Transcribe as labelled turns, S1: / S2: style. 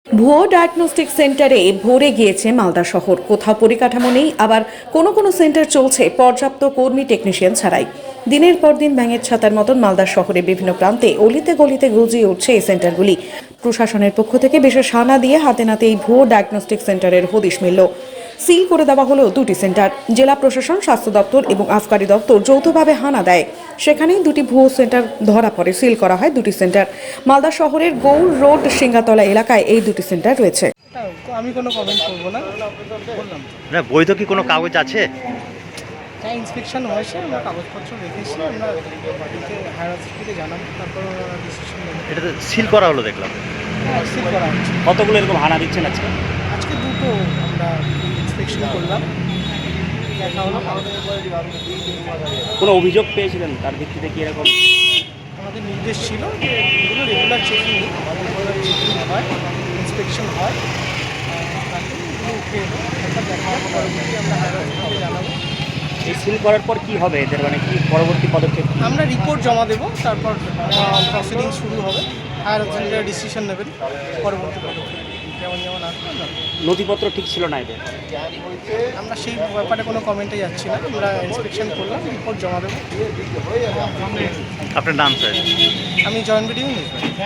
S1: ভুয়ো ডায়াগনস্টিক সেন্টারে ভরে গিয়েছে মালদা শহর। কোথাও পরিকাঠামো নেই, আবার কোনো কোনো সেন্টার চলছে পর্যাপ্ত কর্মী টেকনিশিয়ান ছাড়াই। দিনের পর দিন ব্যাঙের ছাতার মতন মালদা শহরে বিভিন্ন প্রান্তে অলিতে গলিতে গজিয়ে উঠছে এই সেন্টারগুলি। প্রশাসনের পক্ষ থেকে বিশেষ হানা দিয়ে হাতে নাতে এই ভুয়ো ডায়াগনস্টিক সেন্টারের হদিশ মিলল। সিল করে দেওয়া হলো দুটি সেন্টার। জেলা প্রশাসন, স্বাস্থ্য দপ্তর এবং আবকারি দপ্তর যৌথভাবে হানা দেয়। সেখানেই দুটি ভুয়ো সেন্টার ধরা পড়ে। সিল করা হয় দুটি সেন্টার। মালদা শহরের গৌর রোড সিঙ্গাতলা এলাকায় এই দুটি সেন্টার রয়েছে।
S2: আমি কোনো কমেন্ট করবো না, বললাম
S3: না, বৈধ কি কোনো কাগজ আছে?
S2: যা ইন্সপেকশন হয়েছে আমরা কাগজপত্র রেখেছি, আমরা বাড়িতে হায়ার অথরিটিকে জানাবো, তারপর ওরা ডিসিশন নেবে।
S3: এটা তো সিল করা হলো দেখলাম।
S2: হ্যাঁ, সিল করা হচ্ছে।
S4: কতগুলো এরকম হানা দিচ্ছেন আজকে?
S2: আজকে দুটো আমরা ইন্সপেকশন করলাম, দেখা হলো।
S4: কোনো অভিযোগ পেয়েছিলেন তার ভিত্তিতে কি এরকম?
S2: আমাদের নির্দেশ ছিল যে এগুলো রেগুলার চেকিং হয়, ইন্সপেকশন হয়, তাকে এগুলো উঠে এলো, তারপর দেখা হবে, পরবর্তী আমরা হায়ার অথরিটিকে জানাবো।
S4: এই সিল করার পর কি হবে এদের, মানে কি পরবর্তী পদক্ষেপ কি?
S2: আমরা রিপোর্ট জমা দেবো, তারপর প্রসিডিং শুরু হবে। হায়ার অথরিটিরা ডিসিশন নেবেন পরবর্তী পদক্ষেপ যেমন যেমন আসবে।
S4: নথিপত্র ঠিক ছিল না এদের?
S2: আমরা সেই ব্যাপারে কোনো কমেন্টে যাচ্ছি না, আমরা ইন্সপেকশন করলাম, রিপোর্ট জমা দেবো।
S3: আপনার নাম স্যার?
S2: আমি জয়েন্ট ভিডিও নিউজ।